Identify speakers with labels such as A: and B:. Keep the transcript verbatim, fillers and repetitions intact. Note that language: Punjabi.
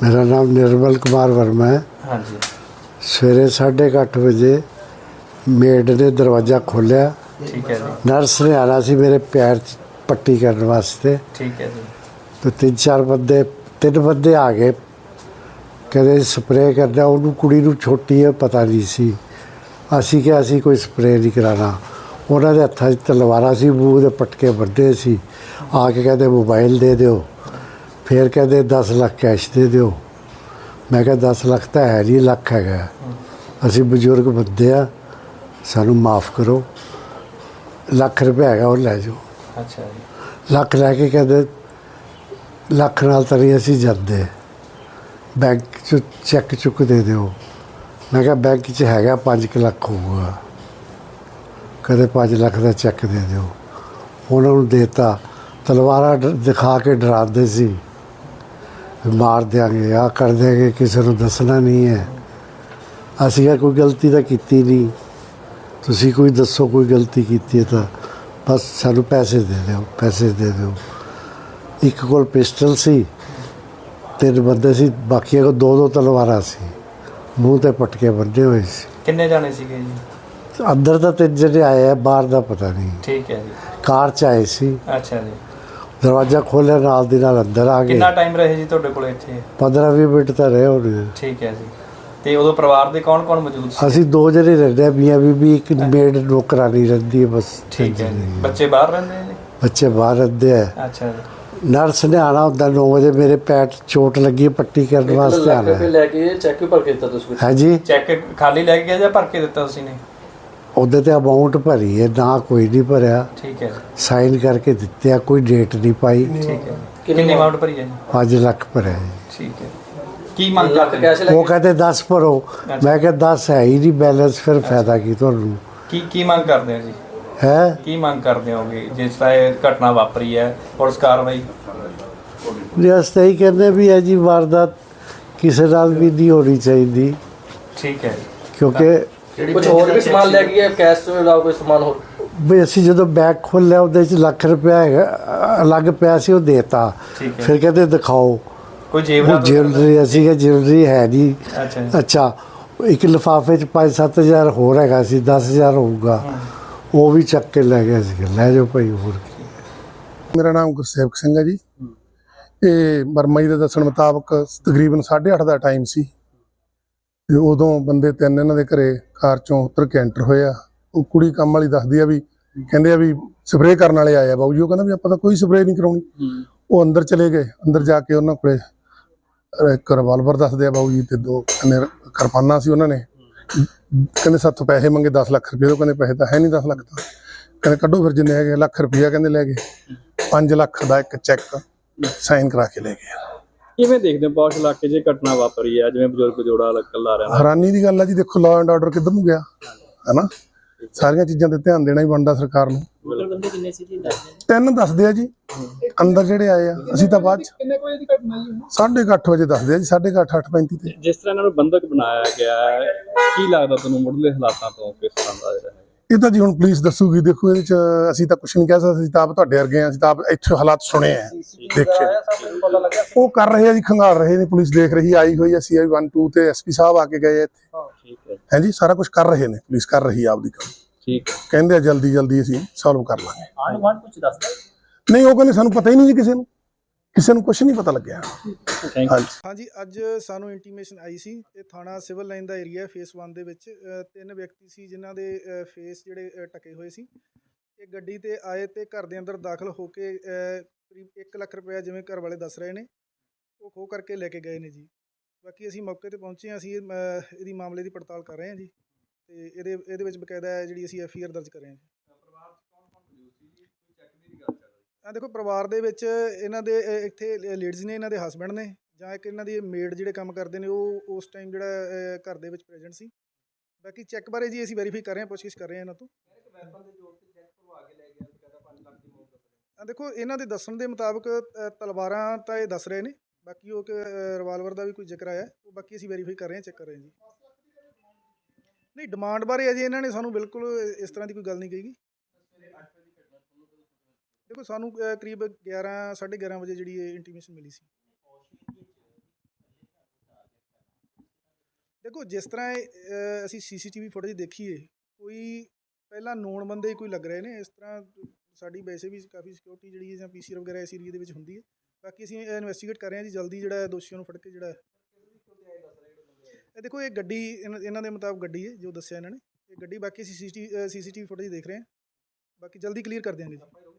A: मेरा नाम निर्मल कुमार वर्मा है।
B: हाँ जी।
A: सवेरे साढ़े अठ बजे मेड ने दरवाज़ा खोलिया।
B: ठीक है जी।
A: नर्स ने आना सी मेरे पैर च पट्टी करने वास्ते।
B: ठीक है जी।
A: तो तीन चार बंदे तीन बंदे आ गए, कहते स्प्रे करना। उन्होंने कुड़ी नूं छोटी है पता नहीं सी। असी क्या असी कोई स्प्रे नहीं कराना। उन्होंने हत्थां च तलवारां सी, मूँह दे पटके बन्ने सी। आके कहते मोबाइल दे दो, फिर कहते दस लाख कैश दे दो। मैं क्या दस लाख तो है नहीं, लख है। असी बजुर्ग बंदे आ, सानू माफ़ करो, लख रुपया है और लै जाओ।
B: अच्छा जी।
A: लख लैके कहते लख नाल तो नहीं असी जाते, बैंक च चैक चुक दे दो। मैं क्या बैंक च है पाँच क लख होगा, कहते पाँच लख का चैक दे दो। उन्होंने देता, तलवारा दिखा के डराते सी, मार देंगे, आ कर देंगे, किसी को दसना नहीं है। असी क्या कोई गलती तो की नहीं, तुसी कोई दसो कोई गलती की है तो बस सानू पैसे दे दो, पैसे दे दो। एक कोल पिस्टल सी, तीन बंदे सी, बाकी को दो दो तलवारां सी, मूँह ते पटके बन्ने हुए सी।
B: किन्ने जाने सीगे जी?
A: अंदर तो तीन जने आए हैं, बाहर का पता नहीं।
B: ठीक है जी।
A: कार च आए सी।
B: अच्छा जी।
A: दरवाजा खोलिया, नाल दी नाल अंदर आ गए।
B: कितना टाइम रहे जी ਤੁਹਾਡੇ ਕੋਲ ਇੱਥੇ?
A: पंद्रह भी मिनट तो रहे होने।
B: ठीक है जी। ਤੇ ਉਦੋਂ ਪਰਿਵਾਰ ਦੇ ਕੌਣ ਕੌਣ ਮੌਜੂਦ ਸੀ?
A: ਅਸੀਂ ਦੋ ਜਣੇ ਰਹਿੰਦੇ ਆ, ਮੀਆਂ ਬੀਬੀ, ਇੱਕ ਮੇਡ ਨੌਕਰਾਨੀ ਰਹਿੰਦੀ ਹੈ ਬਸ।
B: ਠੀਕ ਹੈ ਜੀ। ਬੱਚੇ ਬਾਹਰ ਰਹਿੰਦੇ ਆ ਜੀ?
A: ਬੱਚੇ ਬਾਹਰ ਰਹਿੰਦੇ ਆ।
B: ਅੱਛਾ ਜੀ।
A: ਨਰਸ ਨੇ ਆਣਾ ਹੁੰਦਾ ਨੌ ਵਜੇ, ਮੇਰੇ ਪੈਰ 'ਚ ਚੋਟ ਲੱਗੀ, ਪੱਟੀ ਕਰਨ ਵਾਸਤੇ ਆਣਾ ਹੈ।
C: ਲੈ ਕੇ ਚੈੱਕ ਭਰ ਕੇ ਦਿੱਤਾ ਤੁਸੀਂ?
A: ਹੈ ਜੀ।
B: ਚੈੱਕ ਖਾਲੀ ਲੈ ਕੇ ਗਿਆ ਜਾਂ ਭਰ ਕੇ ਦਿੱਤਾ ਤੁਸੀਂ ਨੇ?
A: ਉਹਦੇ ਤੇ ਅਮਾਊਂਟ ਭਰੀ ਹੈ, ਨਾ ਕੋਈ ਨਹੀਂ ਭਰਿਆ।
B: ਠੀਕ ਹੈ ਜੀ।
A: ਸਾਈਨ ਕਰਕੇ ਦਿੱਤੇ ਆ, ਕੋਈ ਡੇਟ ਨਹੀਂ ਪਾਈ।
B: ਠੀਕ ਹੈ। ਕਿੰਨੀ ਅਮਾਉਂਟ ਭਰੀ ਹੈ ਜੀ?
A: ਪੰਜ ਲੱਖ ਭਰਿਆ ਜੀ।
B: ਠੀਕ ਹੈ। ਕੀ ਮੰਗ ਕਰਦੇ ਹੋ?
A: ਉਹ ਕਹਿੰਦੇ ਦਸ ਭਰੋ। ਮੈਂ ਕਿਹਾ ਦਸ ਹੈ ਹੀ ਨਹੀਂ ਬੈਲੈਂਸ, ਫਿਰ ਫਾਇਦਾ ਕੀ ਤੁਹਾਨੂੰ।
B: ਕੀ ਕੀ ਮੰਗ ਕਰਦੇ ਹੋ ਜੀ?
A: ਹੈ
B: ਕੀ ਮੰਗ ਕਰਦੇ ਹੋਗੇ ਜਿਸ ਤਰ੍ਹਾਂ ਇਹ ਘਟਨਾ ਵਾਪਰੀ ਹੈ, ਪੁਲਿਸ ਕਾਰਵਾਈ?
A: ਅਸੀਂ ਤਾਂ ਇਹੀ ਕਹਿੰਦੇ ਵੀ ਇਹ ਜੀ ਵਾਰਦਾਤ ਕਿਸੇ ਨਾਲ ਵੀ ਨਹੀਂ ਹੋਣੀ ਚਾਹੀਦੀ।
B: ਠੀਕ ਹੈ।
A: ਕਿਉਂਕਿ
C: ਕੁਝ ਹੋਰ ਵੀ ਸਮਾਨ ਲੈ ਕੇ ਕੈਸ਼ ਤੋਂ ਇਲਾਵਾ ਕੋਈ ਸਮਾਨ ਹੋਰ?
A: ਵੀ ਅਸੀਂ ਜਦੋਂ ਬੈਗ ਖੋਲ੍ਹਿਆ ਉਹਦੇ 'ਚ ਲੱਖ ਰੁਪਇਆ ਹੈਗਾ ਅਲੱਗ ਪਿਆ ਸੀ, ਉਹ ਦੇਤਾ। ਫਿਰ ਕਹਿੰਦੇ ਦਿਖਾਓ
B: ਕੋਈ ਜੇਵਰਾਤ?
A: ਜਿਊਲਰੀ। ਅਸੀਂ ਕਿ ਜਿਊਲਰੀ ਹੈ ਨਹੀਂ।
B: ਅੱਛਾ
A: ਅੱਛਾ, ਇੱਕ ਲਿਫਾਫੇ 'ਚ ਪੰਜ ਸੱਤ ਹਜ਼ਾਰ ਹੋਰ ਹੈਗਾ ਸੀ, ਦਸ ਹਜ਼ਾਰ ਹੋਊਗਾ, ਉਹ ਵੀ ਚੱਕ ਕੇ ਲੈ ਗਿਆ ਸੀ। ਲੈ ਜਾਓ ਭਾਈ, ਹੋਰ ਕੀ।
D: ਮੇਰਾ ਨਾਮ ਗੁਰਸੇਵਕ ਸਿੰਘ ਹੈ ਜੀ। ਇਹ ਵਰਮਾ ਜੀ ਦੇ ਦੱਸਣ ਮੁਤਾਬਕ ਤਕਰੀਬਨ ਸਾਢੇ ਅੱਠ ਦਾ ਟਾਈਮ ਸੀ ਤੇ ਉਦੋਂ ਬੰਦੇ ਤਿੰਨ ਇਹਨਾਂ ਦੇ ਘਰੇ ਕਾਰ ਚੋਂ ਉਤਰ ਕੇ ਐਂਟਰ ਹੋਏ ਆ। ਉਹ ਕੁੜੀ ਕੰਮ ਵਾਲੀ ਦੱਸਦੀ ਆ ਵੀ ਕਹਿੰਦੇ ਆ ਵੀ ਸਪਰੇਅ ਕਰਨ ਵਾਲੇ ਆਏ ਆ ਬਾਊ ਜੀ। ਉਹ ਕਹਿੰਦਾ ਵੀ ਆਪਾਂ ਤਾਂ ਕੋਈ ਸਪਰੇਅ ਨਹੀਂ ਕਰਾਉਣੀ। ਉਹ ਅੰਦਰ ਚਲੇ ਗਏ। ਅੰਦਰ ਜਾ ਕੇ ਉਹਨਾਂ ਕੋਲੇ ਇੱਕ ਰਿਵਾਲਵਰ ਦੱਸਦੇ ਆ ਬਾਊ ਜੀ, ਤੇ ਦੋ ਕਹਿੰਦੇ ਕਿਰਪਾਨਾਂ ਸੀ ਉਹਨਾਂ ਨੇ। ਕਹਿੰਦੇ ਸਾਥੋਂ ਪੈਸੇ ਮੰਗੇ ਦਸ ਲੱਖ ਰੁਪਏ। ਉਹ ਕਹਿੰਦੇ ਪੈਸੇ ਤਾਂ ਹੈ ਨਹੀਂ ਦਸ ਲੱਖ ਤਾਂ। ਕਹਿੰਦੇ ਕੱਢੋ ਫਿਰ ਜਿੰਨੇ ਹੈਗੇ। ਲੱਖ ਰੁਪਈਆ ਕਹਿੰਦੇ ਲੈ ਗਏ। ਪੰਜ ਲੱਖ ਦਾ ਇੱਕ ਚੈੱਕ ਸਾਈਨ ਕਰਾ ਕੇ ਲੈ ਗਏ।
E: ਕਿਵੇਂ ਦੇਖਦੇ ਹੋ ਪੌਸ਼ ਇਲਾਕੇ 'ਚ ਘਟਨਾ ਵਾਪਰੀ ਹੈ, ਜਿਵੇਂ ਬਜ਼ੁਰਗ ਜੋੜਾ ਇਕੱਲਾ ਰਹਿੰਦਾ?
D: ਹੈਰਾਨੀ ਦੀ ਗੱਲ ਆ ਜੀ। ਦੇਖੋ ਲਾਅ ਐਂਡ ਆਰਡਰ ਕਿੱਧਰ ਨੂੰ ਗਿਆ, ਹੈ ਨਾ। ਸਾਰੀਆਂ ਚੀਜ਼ਾਂ ਤੇ ਧਿਆਨ ਦੇਣਾ ਹੀ ਬਣਦਾ ਸਰਕਾਰ ਨੂੰ।
E: ਬੰਦੇ ਕਿੰਨੇ ਸੀ ਜੀ?
D: ਤਿੰਨ ਦੱਸਦੇ ਆ ਜੀ ਅੰਦਰ ਜਿਹੜੇ ਆਏ ਆ। ਅਸੀਂ ਤਾਂ ਬਾਅਦ ਚ
E: ਕਿੰਨੇ ਵਜੇ ਦੀ ਘਟਨਾ ਜੀ?
D: ਸਾਢੇ ਕੁ ਅੱਠ ਵਜੇ ਦੱਸਦੇ ਆ ਜੀ। ਸਾਢੇ ਕੁ ਅੱਠ ਅੱਠ ਪੈਂਤੀ ਤੇ।
E: ਜਿਸ ਤਰ੍ਹਾਂ ਇਹਨਾਂ ਨੂੰ ਬੰਦਕ ਬਣਾਇਆ ਗਿਆ ਹੈ, ਕੀ ਲੱਗਦਾ ਤੁਹਾਨੂੰ ਮੁੱਢਲੇ ਹਾਲਾਤਾਂ ਤੋਂ ਕਿਸ ਤਰ੍ਹਾਂ ਦਾ ਰਿਹਾ ਹੈ?
D: ਇਹ ਤਾਂ ਜੀ ਹੁਣ ਪੁਲਿਸ ਦੱਸੂਗੀ। ਦੇਖੋ ਇਹਦੇ ਚ ਅਸੀਂ ਤਾਂ ਕੁਛ ਨਹੀਂ ਕਹਿ ਸਕਦੇ। ਅਸੀਂ ਤਾਂ ਆਪ ਤੁਹਾਡੇ ਵਰਗੇ ਆ, ਅਸੀਂ ਤਾਂ ਆਪ ਇੱਥੇ ਹਾਲਾਤ ਸੁਣੇ ਆ, ਦੇਖੇ। ਉਹ ਕਰ ਰਹੇ ਆ ਜੀ, ਖੰਗਾਲ ਰਹੇ ਨੇ। ਪੁਲਿਸ ਦੇਖ ਰਹੀ, ਆਈ ਹੋਈ ਹੈ ਸੀ ਆਈ ਵਨ ਟੂ ਤੇ ਐਸ ਪੀ ਸਾਹਿਬ ਆ ਕੇ ਗਏ ਇੱਥੇ। ਹੈ ਜੀ, ਸਾਰਾ ਕੁਝ ਕਰ ਰਹੇ ਨੇ, ਪੁਲਿਸ ਕਰ ਰਹੀ ਆ ਆਪਦੀ ਕੰਮ।
E: ਠੀਕ ਹੈ।
D: ਕਹਿੰਦੇ ਆ ਜਲਦੀ ਜਲਦੀ ਅਸੀਂ ਸੋਲਵ ਕਰ ਲਾਂਗੇ।
E: ਆਹ ਵਾਰ ਕੁਝ ਦੱਸਦਾ
D: ਨਹੀਂ, ਉਹ ਕਹਿੰਦੇ ਸਾਨੂੰ ਪਤਾ ਹੀ ਨਹੀਂ ਜੀ, ਕਿਸੇ ਨੂੰ ਕਿਸੇ ਨੂੰ ਕੁਛ ਨਹੀਂ ਪਤਾ ਲੱਗਿਆ।
F: ਹਾਂਜੀ ਹਾਂਜੀ ਅੱਜ ਸਾਨੂੰ ਇੰਟੀਮੇਸ਼ਨ ਆਈ ਸੀ ਤੇ ਥਾਣਾ ਸਿਵਲ ਲਾਈਨ ਦਾ ਏਰੀਆ ਫੇਸ ਇੱਕ ਦੇ ਵਿੱਚ ਤਿੰਨ ਵਿਅਕਤੀ ਸੀ ਜਿਨ੍ਹਾਂ ਦੇ ਫੇਸ ਜਿਹੜੇ ਢਕੇ ਹੋਏ ਸੀ। ਇਹ ਗੱਡੀ ਤੇ ਆਏ ਤੇ ਘਰ ਦੇ ਅੰਦਰ ਦਾਖਲ ਹੋ ਕੇ ਕਰੀਬ ਇੱਕ ਲੱਖ ਰੁਪਇਆ, ਜਿਵੇਂ ਘਰ ਵਾਲੇ ਦੱਸ ਰਹੇ ਨੇ, ਉਹ ਖੋਹ ਕਰਕੇ ਲੈ ਕੇ ਗਏ ਨੇ ਜੀ। ਬਾਕੀ ਅਸੀਂ ਮੌਕੇ ਤੇ ਪਹੁੰਚੇ ਹਾਂ। ਅਸੀਂ ਇਹਦੀ ਮਾਮਲੇ ਦੀ ਪੜਤਾਲ ਕਰ ਰਹੇ ਹਾਂ ਜੀ, ਤੇ ਇਹਦੇ ਇਹਦੇ ਵਿੱਚ ਬਕਾਇਦਾ ਜਿਹੜੀ ਅਸੀਂ ਐਫ ਆਈ ਆਰ ਦਰਜ ਕਰ ਰਹੇ ਹਾਂ ਜੀ। ਆ ਦੇਖੋ, ਪਰਿਵਾਰ ਦੇ ਵਿੱਚ ਇਹਨਾਂ ਦੇ ਇੱਥੇ ਲੇਡੀਜ਼ ਨੇ, ਇਹਨਾਂ ਦੇ ਹਸਬੈਂਡ ਨੇ, ਜਾਂ ਇੱਕ ਇਹਨਾਂ ਦੀ ਮੇਡ ਜਿਹੜੇ ਕੰਮ ਕਰਦੇ ਨੇ, ਉਹ ਉਸ ਟਾਈਮ ਜਿਹੜਾ ਘਰ ਦੇ ਵਿੱਚ ਪ੍ਰੈਜ਼ੈਂਟ ਸੀ। ਬਾਕੀ ਚੈੱਕ ਬਾਰੇ ਜੀ ਅਸੀਂ ਵੈਰੀਫਾਈ ਕਰ ਰਹੇ ਹਾਂ, ਪੁੱਛਗਿੱਛ ਕਰ ਰਹੇ ਹਾਂ ਇਹਨਾਂ ਤੋਂ। ਆ ਦੇਖੋ, ਇਹਨਾਂ ਦੇ ਦੱਸਣ ਦੇ ਮੁਤਾਬਕ ਤਲਵਾਰਾਂ ਤਾਂ ਇਹ ਦੱਸ ਰਹੇ ਨੇ, ਬਾਕੀ ਉਹ ਰਿਵਾਲਵਰ ਦਾ ਵੀ ਕੋਈ ਜ਼ਿਕਰ ਆਇਆ, ਉਹ ਬਾਕੀ ਅਸੀਂ ਵੈਰੀਫਾਈ ਕਰ ਰਹੇ ਹਾਂ, ਚੈੱਕ ਕਰ ਰਹੇ ਹਾਂ ਜੀ। ਨਹੀਂ, ਡਿਮਾਂਡ ਬਾਰੇ ਅਜੇ ਇਹਨਾਂ ਨੇ ਸਾਨੂੰ ਬਿਲਕੁਲ ਇਸ ਤਰ੍ਹਾਂ ਦੀ ਕੋਈ ਗੱਲ ਨਹੀਂ ਕਹੀ। देखो सानू करीब ग्यारह साढ़े ग्यारह बजे जी इंटीमेशन मिली सी। ਦੇਖੋ ਜਿਸ ਤਰ੍ਹਾਂ ਇਹ, ਅ, ਅਸੀਂ ਸੀਸੀਟੀਵੀ ਫੁਟੇਜ ਦੇਖੀਏ, ਕੋਈ ਪਹਿਲਾਂ ਨੋਨ ਬੰਦੇ ਹੀ ਕੋਈ ਲੱਗ ਰਹੇ ਨੇ। ਇਸ ਤਰ੍ਹਾਂ ਸਾਡੀ ਵੈਸੇ ਵੀ ਕਾਫੀ ਸਿਕਿਉਰਿਟੀ ਜਿਹੜੀ ਹੈ ਜਾਂ ਪੀਸੀਆਰ ਵਗੈਰਾ ਇਸ ਏਰੀਏ ਦੇ ਵਿੱਚ ਹੁੰਦੀ ਹੈ। ਬਾਕੀ ਅਸੀਂ ਇਨਵੈਸਟੀਗੇਟ ਕਰ ਰਹੇ ਹਾਂ ਜੀ, ਜਲਦੀ ਜਿਹੜਾ ਦੋਸ਼ੀਆਂ ਨੂੰ ਫੜ ਕੇ ਜਿਹੜਾ ਇਹ ਦੇਖੋ ਇਹ ਗੱਡੀ ਇਹਨਾਂ ਇਹਨਾਂ ਦੇ ਮੁਤਾਬਕ ਗੱਡੀ ਹੈ ਜੋ ਦੱਸਿਆ ਇਹਨਾਂ ਨੇ, ਇਹ ਗੱਡੀ। ਬਾਕੀ ਅਸੀਂ ਸੀਸੀਟੀ ਸੀਸੀਟੀਵੀ ਫੁਟੇਜ ਦੇਖ ਰਹੇ ਹਾਂ, ਬਾਕੀ ਜਲਦੀ ਕਲੀਅਰ ਕਰ ਦਿਆਂਗੇ ਜੀ।